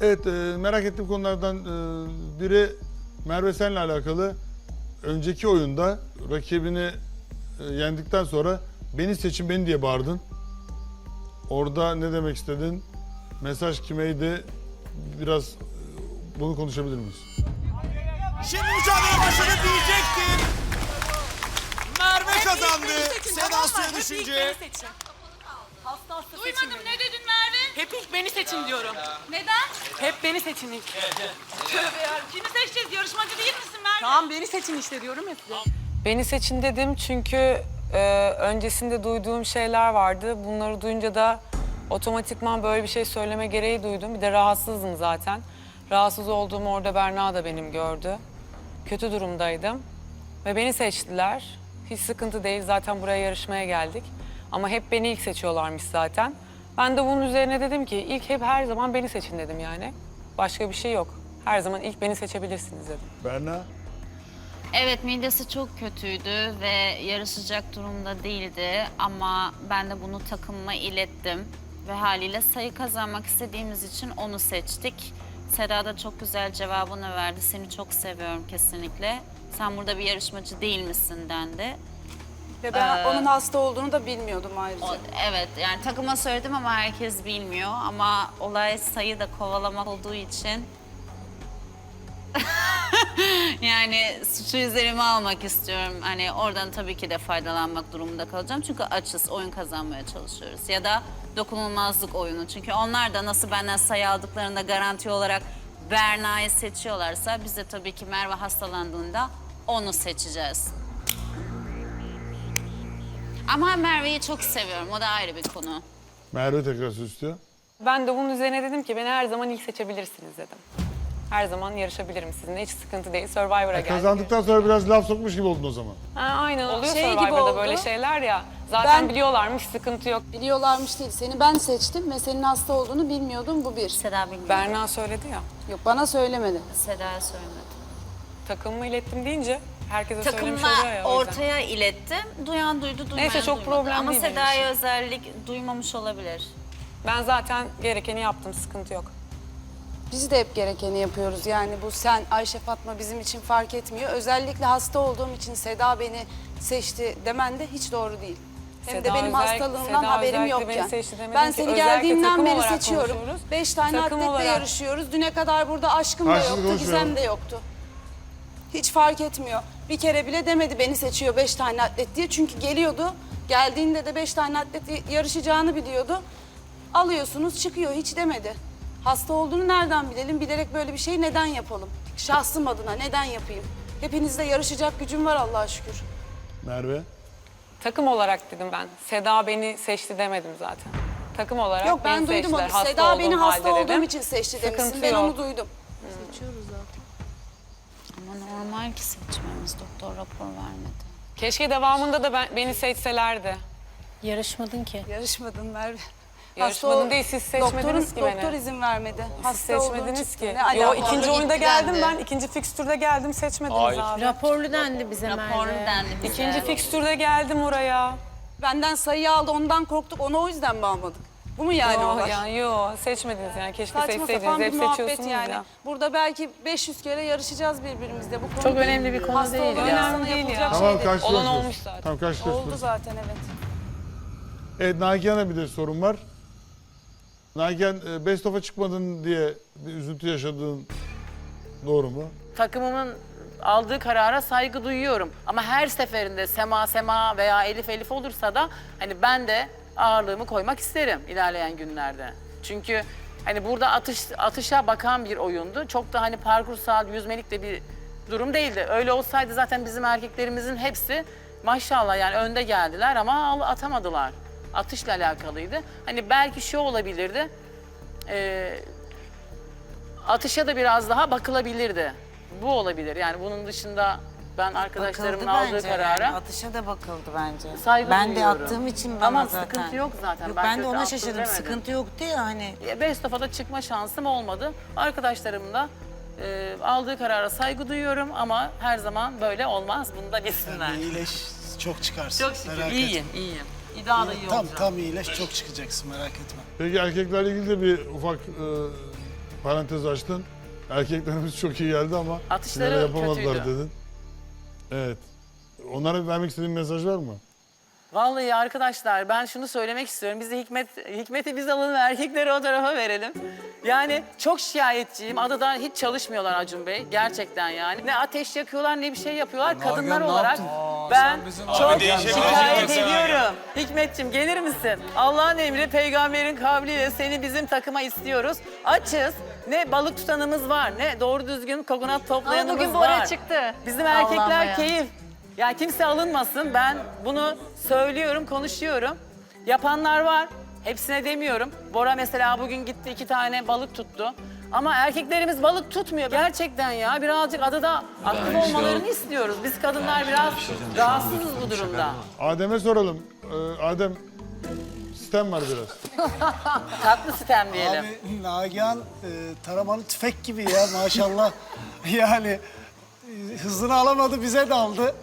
Evet, merak ettiğim konulardan biri Merve senle alakalı. Önceki oyunda rakibini yendikten sonra beni seçin beni diye bağırdın. Orada ne demek istedin? Mesaj kimeydi? Biraz bunu konuşabilir miyiz? Şimdi mücadele başladı diyecektim. Merve kazandı. Seda suya düşünce. Duymadım, ne dedin Merve? Hep ilk beni seçin diyorum. Neden? Hep beni seçin ilk. Tövbe ya. Kimi seçeceğiz? Yarışmacı değil misin Merve? Tamam beni seçin işte diyorum ya size. Beni seçin dedim çünkü öncesinde duyduğum şeyler vardı. Bunları duyunca da otomatikman böyle bir şey söyleme gereği duydum. Bir de rahatsızdım zaten. Rahatsız olduğumu orada Berna da benim gördü. Kötü durumdaydım ve beni seçtiler. Hiç sıkıntı değil, zaten buraya yarışmaya geldik. Ama hep beni ilk seçiyorlarmış zaten. Ben de bunun üzerine dedim ki ilk hep her zaman beni seçin dedim yani. Başka bir şey yok. Her zaman ilk beni seçebilirsiniz dedim. Berna? Evet, midesi çok kötüydü ve yarışacak durumda değildi ama ben de bunu takımıma ilettim ve haliyle sayı kazanmak istediğimiz için onu seçtik. Seda da çok güzel cevabını verdi. Seni çok seviyorum kesinlikle. Sen burada bir yarışmacı değil misin dendi. Ve ben onun hasta olduğunu da bilmiyordum ayrıca. Evet, yani takıma söyledim ama herkes bilmiyor. Ama olay sayı da kovalamak olduğu için yani suçu üzerime almak istiyorum. Hani oradan tabii ki de faydalanmak durumunda kalacağım. Çünkü açız, oyun kazanmaya çalışıyoruz. Ya da dokunulmazlık oyunu. Çünkü onlar da nasıl benden sayı aldıklarında garanti olarak Berna'yı seçiyorlarsa biz de tabii ki Merve hastalandığında onu seçeceğiz. Ama Merve'yi çok seviyorum. O da ayrı bir konu. Merve tekrar söz istiyor. Ben de bunun üzerine dedim ki beni her zaman ilk seçebilirsiniz dedim. Her zaman yarışabilirim sizinle, hiç sıkıntı değil. Survivor'a geldik. Kazandıktan sonra biraz laf sokmuş gibi oldun o zaman. Ha, aynen oluyor Şey gibi Survivor'da oldu. böyle şeyler ya. Zaten Ben- biliyorlarmış, sıkıntı yok. Biliyorlarmış değil. Seni ben seçtim ve senin hasta olduğunu bilmiyordum. Bu bir. Seda bilmiyor. Berna söyledi ya. Yok, bana söylemedi. Seda'ya söylemedim. Takımımı ilettim deyince herkese söylemiş Takımla oluyor ya. o yüzden. ortaya ilettim. Duyan duydu, duymayan Neyse, çok duymadı. problem Ama değil benim Seda'ya için. özellik duymamış olabilir. Ben zaten gerekeni yaptım, sıkıntı yok. Biz de hep gerekeni yapıyoruz. Yani bu sen, Ayşe, Fatma bizim için fark etmiyor. Özellikle hasta olduğum için Seda beni seçti demen de hiç doğru değil. Hem de Seda benim hastalığımdan Seda haberim özellikle yokken. beni seçti demedim Ben ki, seni özellikle geldiğimden takım beri olarak seçiyorum. konuşuyoruz. 5 tane Takım atletle olarak. yarışıyoruz. Düne kadar burada aşkım da Karşılıklı yoktu, konuşuyorum. Gizem de yoktu. Hiç fark etmiyor. Bir kere bile demedi beni seçiyor 5 tane atlet diye. Çünkü geliyordu. Geldiğinde de 5 tane atlet yarışacağını biliyordu. Alıyorsunuz çıkıyor, hiç demedi. Hasta olduğunu nereden bilelim? Bilerek böyle bir şey neden yapalım? Şahsım adına neden yapayım? Hepinizle yarışacak gücüm var Allah'a şükür. Merve? Takım olarak dedim ben. Seda beni seçti demedim zaten. Takım olarak Yok, ben beni duydum seçtiler. onu. Hasta Seda beni olduğum hasta halde olduğum dedim. için seçti Sıkıntı demişsin. Ben yok. onu duydum. Ama normal ki seçmemiz. Doktor rapor vermedi. Keşke devamında da beni seçselerdi. Yarışmadın ki. Yarışmadın Merve. Yarışmadın değil, siz seçmediniz ki beni. Doktor izin vermedi. Siz Hasta olduğun seçmediniz çıktı. ki. Ne Yo, alaka? ikinci oyunda geldim ben. İkinci fikstürde geldim, seçmediniz abi. Raporlu dendi bize Raporlu Merve. dendi bize. İkinci fikstürde geldim oraya. Benden sayı aldı, ondan korktuk. Onu o yüzden mi almadık? Bu mu yani Yo, olay? yani yo, seçmediniz yani. Keşke Saçma seçseydiniz. sapan bir Hep muhabbet seçiyorsunuz yani. ya. Burada belki 500 kere yarışacağız birbirimizle. Bu konu Çok önemli bir konu hasta değil olan ya. insana Önemli değil yapılacak ya. şey Tamam değil. karşılıyorsunuz. Olan olmuş zaten. Tamam karşılıyorsunuz. Oldu zaten, evet. Evet, Nagihan'a bir de sorun var. Nagihan, Best of'a çıkmadın diye bir üzüntü yaşadığın doğru mu? Takımımın aldığı karara saygı duyuyorum. Ama her seferinde Sema veya Elif olursa da hani ben de ağırlığımı koymak isterim ilerleyen günlerde. Çünkü hani burada atışa bakan bir oyundu. Çok da hani parkursal, yüzmelik de bir durum değildi. Öyle olsaydı zaten bizim erkeklerimizin hepsi maşallah yani önde geldiler ama atamadılar. Atışla alakalıydı. Hani belki şu olabilirdi. Atışa da biraz daha bakılabilirdi. Bu olabilir. Yani bunun dışında ben arkadaşlarımın Bakıldı aldığı bence karara yani. Atışa da bakıldı bence. saygı Ben de duyuyorum. attığım için bana Tamam, zaten. sıkıntı yok zaten. Yok, Ben ben de kötü ona attım şaşırdım. demedim. Sıkıntı yoktu ya hani. Best of'a da çıkma şansım olmadı. Arkadaşlarım da aldığı karara saygı duyuyorum ama her zaman böyle olmaz. Bunu da bilsinler. İyileş, çok çıkarsın. Çok şükür. Merak İyiyim, etme. iyiyim. İddia iyi olacağım. Tam iyileş, çok çıkacaksın, merak etme. Peki erkeklerle ilgili de bir ufak parantez açtın. Erkeklerimiz çok iyi geldi ama Atışları finale yapamadılar kötüydü. dedin. Evet. Onlara vermek istediğin mesaj var mı? Vallahi arkadaşlar ben şunu söylemek istiyorum. Bizi Hikmet'i biz alalım, erkekleri o tarafa verelim. Yani çok şikayetçiyim. Adada hiç çalışmıyorlar Acun Bey. Gerçekten yani. Ne ateş yakıyorlar ne bir şey yapıyorlar. Kadınlar olarak ben çok şikayet ediyorum. Hikmetciğim gelir misin? Allah'ın emri peygamberin kavliyle seni bizim takıma istiyoruz. Açız. Ne balık tutanımız var, ne doğru düzgün kokonat toplayanımız bugün var. Bora çıktı. Bizim Allah'ım erkekler ya. keyif. Ya kimse alınmasın. Ben bunu söylüyorum, konuşuyorum. Yapanlar var. Hepsine demiyorum. Bora mesela bugün gitti 2 tane balık tuttu. Ama erkeklerimiz balık tutmuyor. Gerçekten ya birazcık adada aktif olmalarını istiyoruz. Biz kadınlar biraz rahatsızız bu durumda. Adem'e soralım. Adem, sistem var biraz. Tatlı sitem diyelim. Abi Nagihan taramalı tüfek gibi ya maşallah. Yani hızını alamadı bize daldı.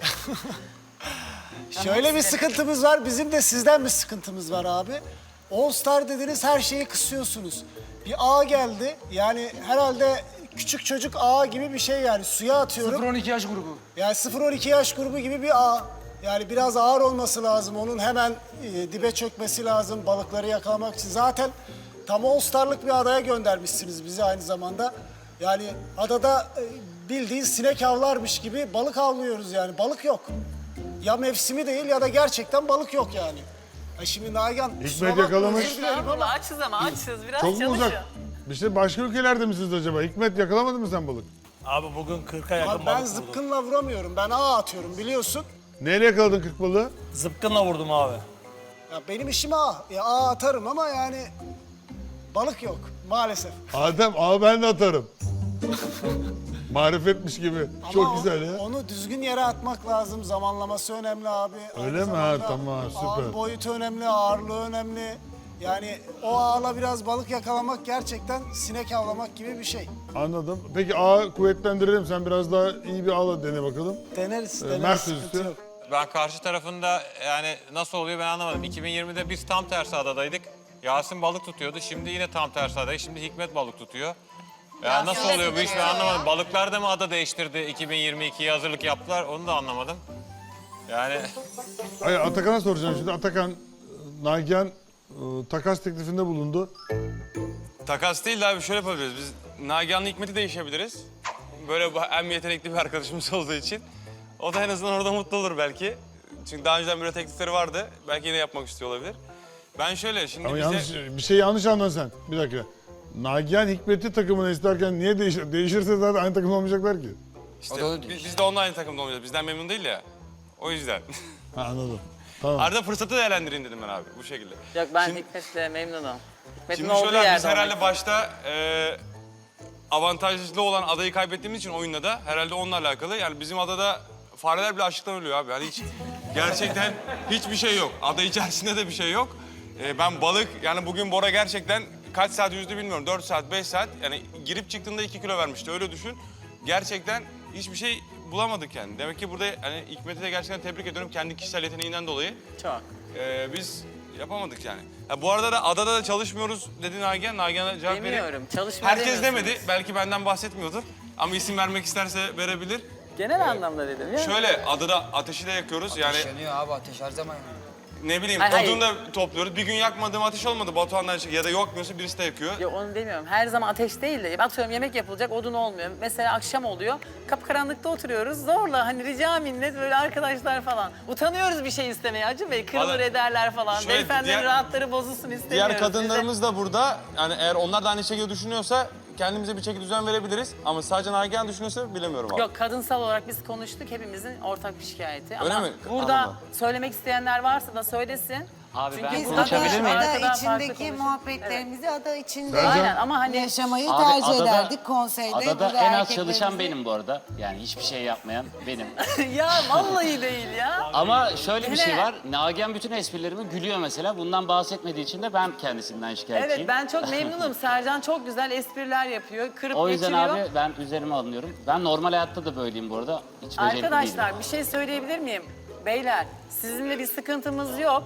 Şöyle bir sıkıntımız var. Bizim de sizden bir sıkıntımız var abi. All Star dediniz her şeyi kısıyorsunuz. Bir ağ geldi. Yani herhalde küçük çocuk ağa gibi bir şey yani. Suya atıyorum. 0-12 yaş grubu. Yani 0-12 yaş grubu gibi bir ağ. Yani biraz ağır olması lazım. Onun hemen dibe çökmesi lazım balıkları yakalamak için. Zaten tam All Star'lık bir adaya göndermişsiniz bizi aynı zamanda. Yani adada bildiğin sinek avlarmış gibi balık avlıyoruz yani. Balık yok. Ya mevsimi değil ya da gerçekten balık yok yani. Şimdi Nagihan... Hikmet yakalamış. Estağfurullah açız ama açız. Biraz Çok mu çalışın. uzak? İşte başka ülkelerde misiniz acaba? Hikmet yakalamadın mı sen balık? Abi bugün 40'a yakın Abi ben balık vurdum. zıpkınla vuramıyorum. Ben ağ atıyorum biliyorsun. Neyle yakaladın 40 balığı? Zıpkınla vurdum abi. Ya benim işim ağ. Ya ağ atarım ama yani balık yok maalesef. Adem, ben de atarım. Marifetmiş gibi. Çok Ama güzel ya. Onu düzgün yere atmak lazım. Zamanlaması önemli abi. Öyle Aynı mi? Ha, zamanda tamam, süper. Ağın boyutu önemli, ağırlığı önemli. Yani o ağla biraz balık yakalamak gerçekten sinek avlamak gibi bir şey. Anladım. Peki ağı kuvvetlendirelim. Sen biraz daha iyi bir ağla dene bakalım. Deneriz, Mert deneriz. sözü. Sıkıntı yok. Ben karşı tarafında yani nasıl oluyor ben anlamadım. 2020'de biz tam tersi adadaydık. Yasin balık tutuyordu. Şimdi yine tam tersi adadayız. Şimdi Hikmet balık tutuyor. Ya nasıl oluyor bu iş ben anlamadım. Balıklar da mı ada değiştirdi? 2022'ye hazırlık yaptılar. Onu da anlamadım. Yani Hayır, Atakan'a soracağım şimdi. Atakan, Nagihan takas teklifinde bulundu. Takas değil de abi şöyle yapabiliriz. Biz Nagihan'la Hikmet'i değişebiliriz. Böyle hem yetenekli bir arkadaşımız olduğu için. O da en azından orada mutlu olur belki. Çünkü daha önceden böyle teklifleri vardı. Belki yine yapmak istiyor olabilir. Ben şöyle şimdi Ama bize... yanlış, bir şey yanlış anladın sen. Bir dakika. Nagihan Hikmet'i takımına isterken niye değişir? Değişirse zaten aynı takım olmayacaklar ki. İşte biz de onunla aynı takımda olmayacağız. Bizden memnun değil ya. O yüzden. Ha, anladım. Tamam. Arada fırsatı değerlendirin dedim ben abi bu şekilde. Yok ben Şimdi- Hikmet'le memnunum. Hikmet'in Şimdi olduğu şöyle abi, yerde biz herhalde olmak başta avantajlı olan adayı kaybettiğimiz için oyunda da herhalde onunla alakalı. Yani bizim adada fareler bile açlıktan ölüyor abi. Yani hiç gerçekten hiçbir şey yok. Ada içerisinde de bir şey yok. Ben balık yani bugün Bora gerçekten kaç saat yüzdü bilmiyorum. 4 saat 5 saat yani girip çıktığında 2 kilo vermişti öyle düşün. Gerçekten hiçbir şey bulamadık yani. Demek ki burada hani Hikmet'i de gerçekten tebrik ediyorum kendi kişisel yeteneğinden dolayı. çok. Biz yapamadık yani. Ha, bu arada da adada da çalışmıyoruz dedi Nagihan. Nagihan'a cevap vereyim. Demiyorum. Çalışma Herkes demiyorsunuz. demedi. Belki benden bahsetmiyordur. Ama isim vermek isterse verebilir. Genel anlamda dedim ya. Şöyle adada ateşi de yakıyoruz. Yani Yanıyor abi ateş her zaman yanıyor. ne bileyim Hayır, odunu da topluyoruz. Bir gün yakmadığım ateş olmadı. Batuhan'dan ya da yakmıyorsa birisi de yakıyor. Yok onu demiyorum. Her zaman ateş değil de atıyorum yemek yapılacak odun olmuyor. Mesela akşam oluyor. Kapkaranlıkta oturuyoruz. Zorla hani rica minnet böyle arkadaşlar falan. Utanıyoruz bir şey istemeye Acun Bey. Kırılır Vallahi- ederler falan. Şöyle Beyefendinin diğer- rahatları bozulsun istemiyoruz. Diğer kadınlarımız da burada. Yani eğer onlar da aynı şekilde düşünüyorsa kendimize bir çeki düzen verebiliriz. Ama sadece Nagihan düşünüyorsa bilemiyorum abi. Yok kadınsal olarak biz konuştuk. Hepimizin ortak bir şikayeti. Öyle Ama mi? burada Anladım. söylemek isteyenler varsa da söylesin. Abi Çünkü biz konuşabilir miyim? ada Arkada farklı içindeki konuşuyoruz. muhabbetlerimizi ada içinde Aynen ama hani yaşamayı Abi tercih adada- ederdik konseyde. Adada Burada en az erkeklerimizi- çalışan benim bu arada. Yani hiçbir şey yapmayan benim. ya vallahi değil ya. Ama şöyle bir şey Hele. var. Nagihan bütün esprilerimi gülüyor mesela. Bundan bahsetmediği için de ben kendisinden şikayetçiyim. Evet ben çok memnunum. Sercan çok güzel espriler yapıyor. Kırıp O yüzden geçiriyor. abi ben üzerime alınıyorum. Ben normal hayatta da böyleyim bu arada. Hiç becerikli değilim. Arkadaşlar bir şey söyleyebilir miyim? Beyler sizinle bir sıkıntımız yok.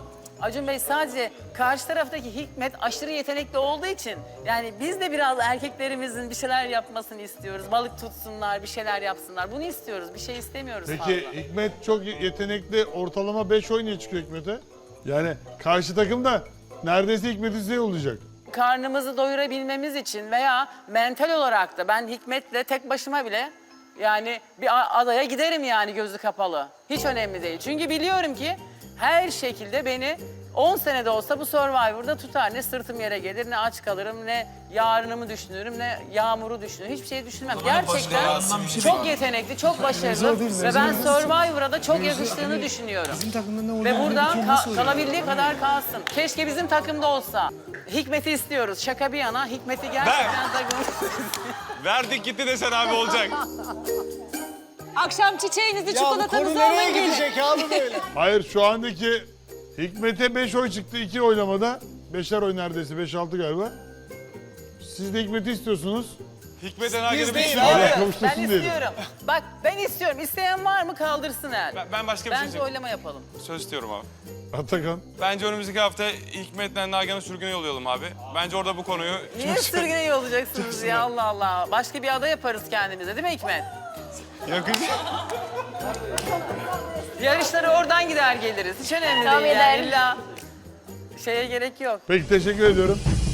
Acun Bey sadece karşı taraftaki Hikmet aşırı yetenekli olduğu için yani biz de biraz erkeklerimizin bir şeyler yapmasını istiyoruz. Balık tutsunlar, bir şeyler yapsınlar. Bunu istiyoruz. Bir şey istemiyoruz fazla. Peki Hikmet çok yetenekli, ortalama 5 oynaya çıkıyor Hikmet'e. Yani karşı takım da neredeyse Hikmet'i size yollayacak. Karnımızı doyurabilmemiz için veya mental olarak da ben Hikmet'le tek başıma bile yani bir adaya giderim yani gözü kapalı. Hiç önemli değil. Çünkü biliyorum ki her şekilde beni 10 senede olsa bu Survivor'da tutar. Ne sırtım yere gelir, ne aç kalırım, ne yarınımı düşünürüm, ne yağmuru düşünürüm. Hiçbir şey düşünmem. Gerçekten çok yetenekli, çok başarılı ve ben Survivor'a da çok yakıştığını düşünüyorum. Ve buradan kalabildiği kadar kalsın. Keşke bizim takımda olsa. Hikmet'i istiyoruz. Şaka bir yana Hikmet'i gerçekten takımda. Verdik gitti desen abi olacak. Akşam çiçeğinizi, Ya bu konu çikolatanızı nereye alın gelin. gidecek abi böyle? Hayır şu andaki Hikmet'e 5 oy çıktı 2 oylamada. 5'er oy neredeyse 5-6 galiba. Siz de Hikmet'i istiyorsunuz. Hikmet Enagen'i Biz bir değil istiyorum. abi. Ben Kavuştursun diyelim. istiyorum. Bak ben istiyorum. İsteyen var mı kaldırsın el. Ben başka bir şey Bence söyleyeyim. oylama yapalım. Söz istiyorum abi. Atakan. Bence önümüzdeki hafta Hikmet'le Nagihan'ı sürgüne yollayalım abi. Bence orada bu konuyu... Niye sürgüne yollayacaksınız ya Allah Allah. Başka bir ada yaparız kendimize değil mi Hikmet? Yakın. Yarışları oradan gider geliriz. Hiç önemli Tamam, değil yani. gidelim. İlla şeye gerek yok. Peki teşekkür ediyorum.